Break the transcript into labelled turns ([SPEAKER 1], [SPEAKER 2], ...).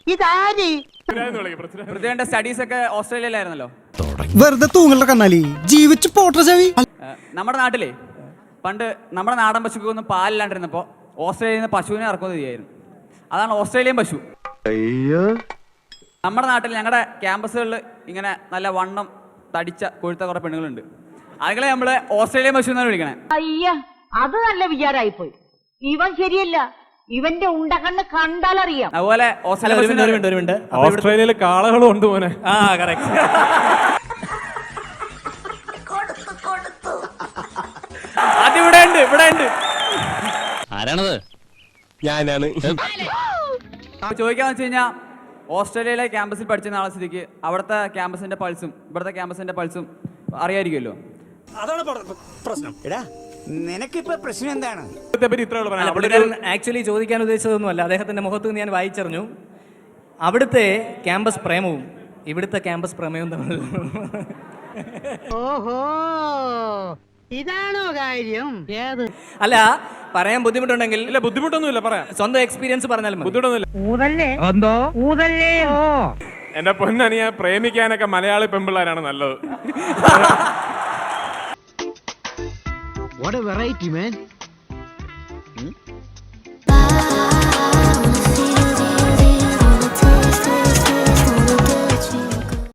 [SPEAKER 1] ഇതാര്?
[SPEAKER 2] പൃഥ്വിയുടെ സ്റ്റഡീസ് ഒക്കെ ഓസ്ട്രേലിയയിലായിരുന്നല്ലോ.
[SPEAKER 3] വെറുതെ തൂങ്ങലുള്ള കന്നാലി ജീവിച്ച് പോട്ടെ ചെവി.
[SPEAKER 2] നമ്മുടെ നാട്ടിലെ പണ്ട് നമ്മുടെ നാടൻ പശുക്കൊന്നും പാലില്ലാണ്ടിരുന്നപ്പോൾ ഓസ്ട്രേലിയയിൽ നിന്ന് പശുവിനെ ഇറക്കുന്നത് ചെയ്യായിരുന്നു. അതാണ് ഓസ്ട്രേലിയൻ പശു. നമ്മുടെ നാട്ടിൽ ഞങ്ങളുടെ ക്യാമ്പസുകളിൽ ഇങ്ങനെ നല്ല വണ്ണം തടിച്ച കൊഴുത്ത കുറെ പെണ്ണുങ്ങളുണ്ട്. അതുങ്ങളെ നമ്മള് ഓസ്ട്രേലിയൻ പശു എന്നാണ് വിളിക്കണേ.
[SPEAKER 1] അയ്യ, അത് നല്ല വിചാരമായിപ്പോയി. ഇവൻ ശരിയല്ല, ഇവന്റെ ഉണ്ടകണ്ണ് കണ്ടാലറിയാം.
[SPEAKER 2] അതുപോലെ
[SPEAKER 4] ഓസ്ട്രേലിയയിൽ കാളകളും ഉണ്ട് മോനെ.
[SPEAKER 2] അതിവിടെ ഉണ്ട്, ഇവിടെ ഉണ്ട്.
[SPEAKER 5] ആരാണത്?
[SPEAKER 4] ഞാനാണ്.
[SPEAKER 2] ചോദിക്കാന്ന് വെച്ച് കഴിഞ്ഞാൽ ഓസ്ട്രേലിയയിലെ ക്യാമ്പസിൽ പഠിച്ച നാളെ സ്ഥിതിക്ക് അവിടുത്തെ ക്യാമ്പസിന്റെ പൾസും ഇവിടുത്തെ ക്യാമ്പസിന്റെ പൾസും അറിയായിരിക്കുമല്ലോ.
[SPEAKER 6] അതാണ് പ്രശ്നം. എടാ, നിനക്കിപ്പോ പ്രശ്നം എന്താണ്?
[SPEAKER 7] ആക്ച്വലി ചോദിക്കാൻ ഉദ്ദേശിച്ചതൊന്നുമല്ല, അദ്ദേഹത്തിന്റെ മുഖത്ത് നിന്ന് ഞാൻ വായിച്ചറിഞ്ഞു. അവിടുത്തെ ക്യാമ്പസ് പ്രേമവും ഇവിടുത്തെ ക്യാമ്പസ് പ്രേമവും തമ്മിൽ.
[SPEAKER 1] ഓഹോ, ഇതാണോ കാര്യം?
[SPEAKER 7] അല്ല, പറയാൻ ബുദ്ധിമുട്ടുണ്ടെങ്കിൽ.
[SPEAKER 4] ഇല്ല, ബുദ്ധിമുട്ടൊന്നുമില്ല, പറയാം.
[SPEAKER 7] സ്വന്തം എക്സ്പീരിയൻസ് പറഞ്ഞാലും
[SPEAKER 4] ബുദ്ധിമുട്ടൊന്നുമില്ല. എന്റെ പൊന്നനിയ, പ്രേമിക്കാനൊക്കെ മലയാളി പെമ്പിള്ളാരാണ് നല്ലത്.
[SPEAKER 8] What a variety, man.